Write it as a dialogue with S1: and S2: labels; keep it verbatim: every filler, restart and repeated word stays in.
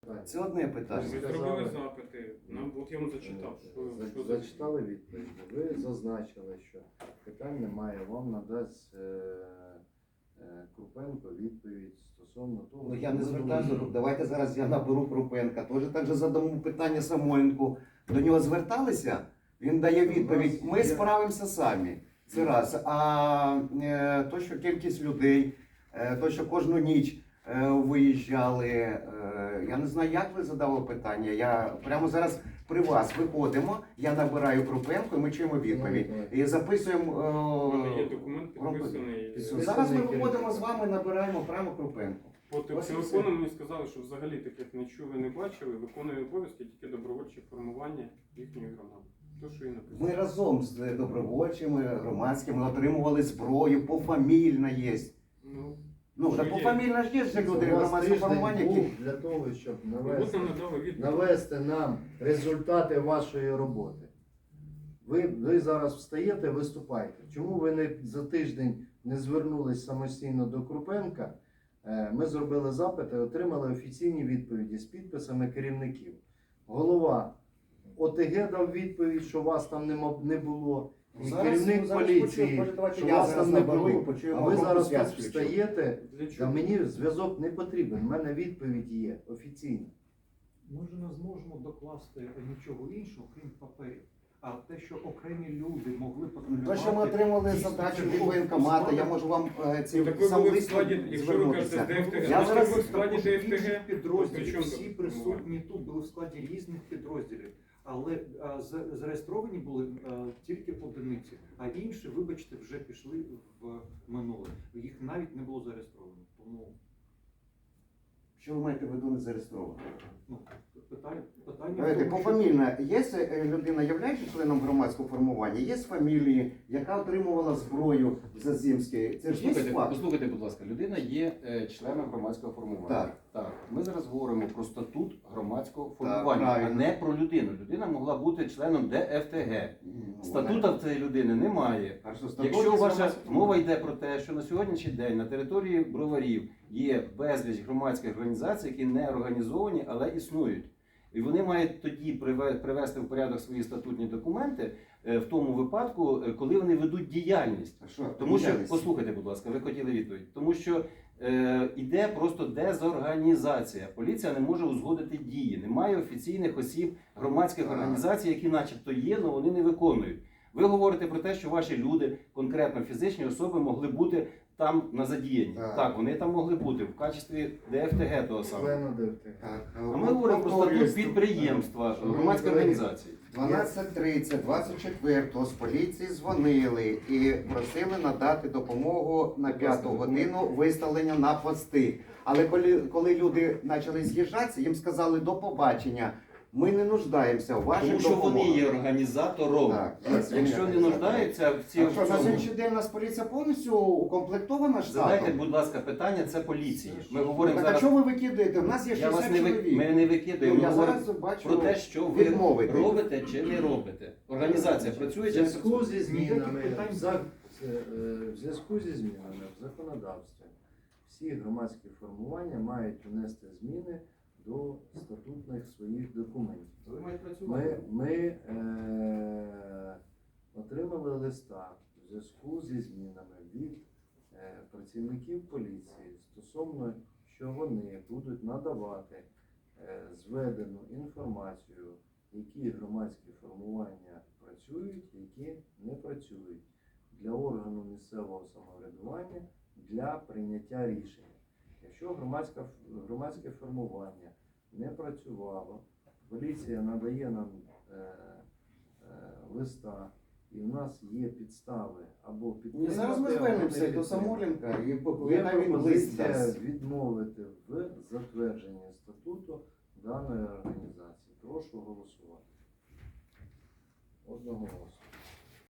S1: Це одне питання.
S2: Ми зробили запити, нам от я вам зачитав. Що,
S3: За-
S2: що за-
S3: Зачитали відповідь. Ви зазначили, що питань немає, вам надасть е, е, Крупенко відповідь стосовно того,
S1: Ну,
S3: що
S1: я не
S3: ви
S1: звертаюся,
S3: думаєте.
S1: давайте зараз я наберу Крупенка. Теж так же задамо питання Самойленку. До нього зверталися, він дає відповідь, ми справимося самі. Це раз. А е, то, що кількість людей, е, то, що кожну ніч е, виїжджали, е, я не знаю, як ви задали питання. Я прямо зараз при вас виходимо, я набираю Крупенко і ми чуємо відповідь. І записуємо.
S2: У мене є
S1: Е,
S2: документ
S1: Групи.
S2: підписаний.
S1: Зараз ми виходимо з вами, набираємо прямо Крупенко.
S2: По
S1: Ось і
S2: телефону
S1: все.
S2: мені сказали, що взагалі таких не чули, не бачили, виконує обов'язки тільки добровольче формування їхньої громади. То, що і написано.
S1: Ми разом з добровольчими, громадськими отримували зброю, пофамільна є.
S2: Ну,
S1: Ну,
S2: що
S1: та
S2: є?
S1: пофамільна ж є вже люди
S3: У вас
S1: громадського
S3: тиждень
S1: формування,
S3: був
S1: які...
S3: для того, щоб
S2: от
S3: навести,
S2: нам надали відповідь.
S3: навести нам результати вашої роботи. Ви, ви зараз встаєте, виступаєте. Чому ви не за тиждень не звернулись самостійно до Крупенка? Е, Ми зробили запити, отримали офіційні відповіді з підписами керівників. Голова ОТГ дав відповідь, що вас там нема- не було. І
S1: Зараз-
S3: керівник
S1: зараз
S3: поліції,
S1: почуємо, може, давайте
S3: що
S1: я
S3: вас
S1: зараз
S3: там не
S1: наберу і
S3: було.
S1: почуємо
S3: А ви
S1: групу
S3: зараз тут
S1: зв'язку, якщо.
S3: встаєте,
S2: Для
S3: та
S2: чого?
S3: мені зв'язок не потрібен, в мене відповідь є офіційна.
S4: Ми ж не зможемо докласти нічого іншого, крім паперів. А те, що окремі люди могли
S1: То,
S4: патрулювати...
S1: що ми отримали
S4: дійсно,
S1: задачу
S4: це
S1: від
S4: було
S1: воєнкомату, я
S4: складно.
S1: можу вам е, ці
S2: Ну, так ви
S1: сам
S2: були в
S1: лист
S2: складі, якщо ви кажете,
S1: звернутися.
S2: з ДФТГ,
S1: Я
S2: значить,
S1: зараз
S2: ви в складі
S4: Також інших
S2: ДФТГ.
S4: підрозділів,
S2: При чому
S4: всі
S2: тут?
S4: присутні тут були в складі різних підрозділів. Але а, з- зареєстровані були а, тільки одиниці, а інші, вибачте, вже пішли в минуле. Їх навіть не було зареєстровано. Тому
S1: Що ви маєте в виду не зареєстровано?
S4: ну, питання, питання в
S1: Давайте,
S4: тому, що-
S1: пофамільно, є е, людина, являється членом громадського формування, є з фамілії, яка отримувала зброю в Зазімській. Це ж є
S5: Послухайте,
S1: факт?
S5: послухайте, будь ласка, людина є е, членом громадського формування.
S1: Так.
S5: Так. Ми зараз говоримо про статут громадського
S1: Так,
S5: формування, а
S1: правильно.
S5: не про людину. Людина могла бути членом ДФТГ.
S1: Ну,
S5: Статута в цієї людини немає.
S1: Хорошо, статут
S5: Якщо
S1: є
S5: ваша
S1: громадського
S5: мова йде про те, що на сьогоднішній день на території Броварів є безліч громадських організацій, які не організовані, але існують. І вони мають тоді приве- привести в порядок свої статутні документи е, в тому випадку, е, коли вони ведуть діяльність.
S1: А що?
S5: Тому що,
S1: діяльність?
S5: послухайте, будь ласка, ви хотіли відповідь. Тому що е, іде просто дезорганізація. Поліція не може узгодити дії. Немає офіційних осіб громадських
S1: Так.
S5: організацій, які начебто є, але вони не виконують. Ви говорите про те, що ваші люди, конкретно фізичні особи, могли бути там на задіянні.
S1: Так.
S5: Так, вони там могли бути в качестві ДФТГ того самого.
S3: Члена ДФТГ.
S1: Так,
S5: А ми говоримо про статут
S1: повторюсь,
S5: підприємства,
S3: Шановні
S5: громадської
S3: колеги,
S5: організації.
S1: дванадцять тридцять, двадцять четвертого з поліції дзвонили і просили надати допомогу на п'яту годину виставлення на пости. Але коли, коли люди почали з'їжджатися, їм сказали до побачення. Ми не нуждаємося в ваших
S5: Тому що вони
S1: допомогах.
S5: є організатором.
S1: Так,
S5: Якщо не
S1: організатори.
S5: нуждаються в цій
S1: А що, на
S5: цьому-
S1: сьогоднішній день у нас поліція повністю укомплектована
S5: Задайте,
S1: штатом?
S5: будь ласка, питання, це поліції. Ми говоримо
S1: Так а
S5: зараз.
S1: чого ви викидаєте? У нас є
S5: Я вас
S1: шістдесят
S5: не ви...
S1: чоловік.
S5: Ми не викидаємо.
S1: Ну,
S5: Ми
S1: я
S5: говоримо
S1: зараз бачу
S5: про те, що ви
S1: відмовити.
S5: робите чи не робите. Організація працює
S3: В
S5: чи не
S3: зв'язку
S5: працює.
S3: зі змінами
S4: Ніяких питань.
S3: в зак- е, в зв'язку зі змінами в законодавстві всі громадські формування мають внести зміни до статутних своїх документів.
S5: Ви маєте
S3: Ми,
S5: працювати.
S3: ми е, отримали листа в зв'язку зі змінами від е, працівників поліції стосовно, що вони будуть надавати е, зведену інформацію, які громадські формування працюють, які не працюють для органу місцевого самоврядування для прийняття рішення. Якщо громадська, громадське формування не працювало, поліція надає нам е, е, листа, і в нас є підстави або
S1: Ні,
S3: підтримати,
S1: зараз ми
S3: або
S1: звернемося
S3: не
S1: до
S3: підтримати.
S1: Самойленка і
S3: Є
S1: поповідаємо лист
S3: пропозиція
S1: дасть.
S3: відмовити в затвердженні статуту даної організації. Прошу голосувати. Одноголосно.